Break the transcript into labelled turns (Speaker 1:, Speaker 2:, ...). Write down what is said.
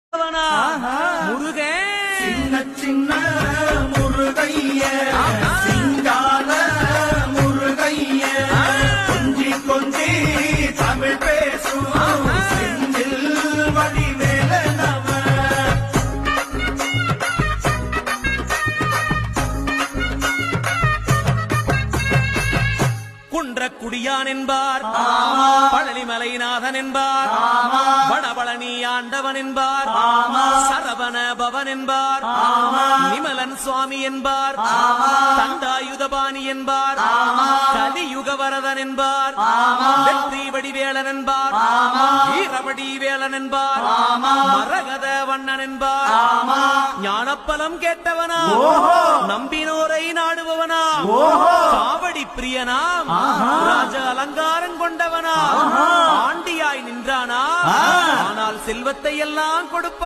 Speaker 1: முருகன்
Speaker 2: சின்ன சின்ன முருகைய சிங்கால முருகைய கொஞ்சி கொஞ்சி தமிழ் பேசும் செந்தில் வடிவேல நம
Speaker 1: குன்றக்குடியான் என்பார், பழனிமலைநாதன் என்பார், வடபழனி ஆண்டவன் என்பார், சரவண பவன் என்பார், நிமலன் சுவாமி என்பார், தண்டாயுதபாணி என்பார், கலியுகவரதன் என்பார், வெற்றி வடிவேலன் என்பார், வீரவடி வேலன் என்பார், மரகத வண்ணன் என்பார், ஞானப்பலம் கேட்டவனா, நம்பினோரை நாடுபவனா, காவடி பிரியனாம், ராஜ அலங்காரம் கொண்டவனா, ஆண்டியாய் நின்றானா, ஆனால் செல்வத்தை எல்லாம் கொடுப்ப